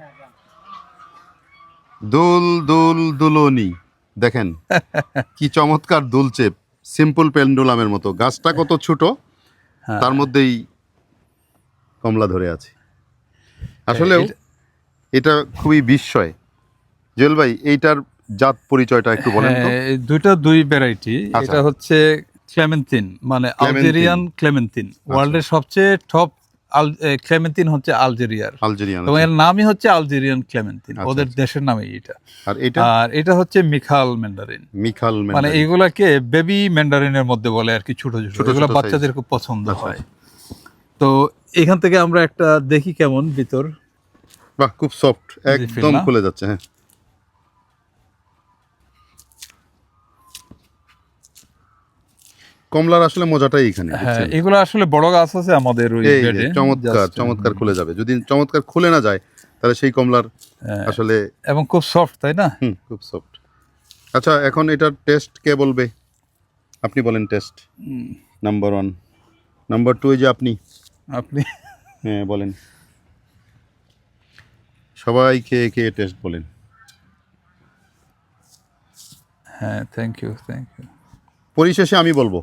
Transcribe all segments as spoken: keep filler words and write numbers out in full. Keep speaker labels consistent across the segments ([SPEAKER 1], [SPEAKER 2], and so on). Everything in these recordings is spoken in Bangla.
[SPEAKER 1] দুল দুল দুলনি দেখেন কি চমৎকার দুলছে, সিম্পল পেন্ডুলামের মতো। গাছটা কত ছোট, তার মধ্যেই কমলা ধরে আছে। আসলেও এটা খুবই বিস্ময়। জুয়েল ভাই, এইটার জাত পরিচয়টা একটু বলেন তো।
[SPEAKER 2] দুইটা দুই ভ্যারাইটি। এটা হচ্ছে ক্লেমেন্টিন, মানে আলজেরিয়ান ক্লেমেন্টিন। ওয়ার্ল্ডের সবচেয়ে টপ ক্লেমেন্টিন হচ্ছে আলজেরিয়ার,
[SPEAKER 1] আলজেরিয়ান,
[SPEAKER 2] এবং এর নামই হচ্ছে আলজেরিয়ান ক্লেমেন্টিন, ওদের দেশের নামই এটা।
[SPEAKER 1] আর এটা
[SPEAKER 2] আর এটা হচ্ছে মিখাল ম্যান্ডারিন।
[SPEAKER 1] মিখাল
[SPEAKER 2] মানে
[SPEAKER 1] ম্যান্ডারিন,
[SPEAKER 2] এইগুলাকে বেবি ম্যান্ডারিনের মধ্যে বলে আর কি, ছোট ছোট, এগুলো বাচ্চাদের খুব পছন্দ হয়। তো এখান থেকে আমরা একটা দেখি কেমন ভিতর।
[SPEAKER 1] বাহ, খুব সফট, একদম খুলে যাচ্ছে। হ্যাঁ, কমলার আসলে মজাটাই এখানে।
[SPEAKER 2] হ্যাঁ, এগুলো আসলে বড় গাছ আছে আমাদের ওই বেডে,
[SPEAKER 1] চমৎকার চমৎকার খুলে যাবে। যদি চমৎকার খুলে না যায় তাহলে সেই কমলার আসলে,
[SPEAKER 2] এবং খুব সফট, তাই না?
[SPEAKER 1] হুম, খুব সফট। আচ্ছা, এখন এটার টেস্ট কে বলবে? আপনি বলেন test. Number one, number two, এই যে আপনি
[SPEAKER 2] আপনি
[SPEAKER 1] হ্যাঁ বলেন, সবাই খেয়ে খেয়ে টেস্ট বলেন।
[SPEAKER 2] হ্যাঁ, থ্যাংক ইউ থ্যাংক ইউ।
[SPEAKER 1] পরিশেষে আমি বলবো,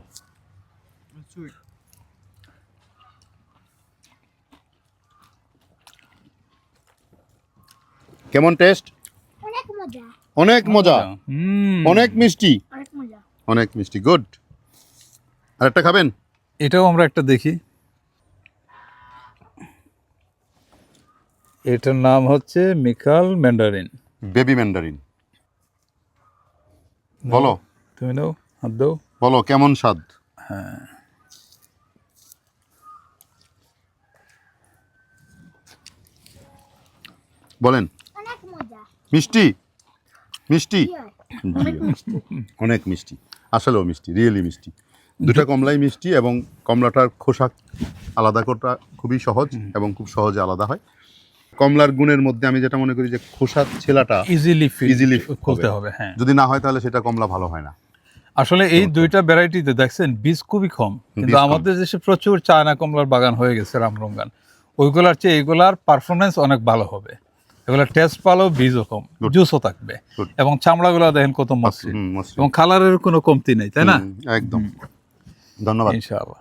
[SPEAKER 1] কেমন টেস্ট?
[SPEAKER 3] অনেক মজা,
[SPEAKER 1] অনেক মজা, অনেক মিষ্টি,
[SPEAKER 3] অনেক মজা,
[SPEAKER 1] অনেক মিষ্টি। গুড। আরেকটা খাবেন?
[SPEAKER 2] এটাও আমরা একটা দেখি। এটার নাম হচ্ছে মিখাল ম্যান্ডারিন,
[SPEAKER 1] বেবি ম্যান্ডারিন। বলো,
[SPEAKER 2] তুমি নাও, হাত দাও,
[SPEAKER 1] বলো কেমন স্বাদ?
[SPEAKER 2] হ্যাঁ,
[SPEAKER 1] বলেন।
[SPEAKER 3] অনেক মজা,
[SPEAKER 1] মিষ্টি, মিষ্টি,
[SPEAKER 3] অনেক মিষ্টি,
[SPEAKER 1] অনেক মিষ্টি, আসলেও মিষ্টি, রিয়েলি মিষ্টি। দুটা কমলাই মিষ্টি, এবং কমলাটার খোসা আলাদা করা খুবই সহজ এবং খুব সহজে আলাদা হয়। কমলার গুণের মধ্যে আমি যেটা মনে করি যে খোসা ছেলাটা
[SPEAKER 2] ইজিলি
[SPEAKER 1] ইজিলি
[SPEAKER 2] খুলতে হবে। হ্যাঁ,
[SPEAKER 1] যদি না হয় তাহলে সেটা কমলা ভালো হয় না।
[SPEAKER 2] আসলে এই দুইটা ভ্যারাইটিতে দেখছেন বীজ খুবই কম, কিন্তু আমাদের দেশে প্রচুর চায়না কমলার বাগান হয়ে গেছে, রামরঙ্গান। ওইগুলার চেয়ে এগুলার পারফরমেন্স অনেক ভালো হবে। এগুলার টেস্ট ভালো, বীজও কম, জুসও থাকবে, এবং চামড়াগুলো দেখেন কত মসৃণ, এবং কালারের কোনো কমতি নেই, তাই না?
[SPEAKER 1] একদম। ধন্যবাদ।
[SPEAKER 2] ইনশাআল্লাহ।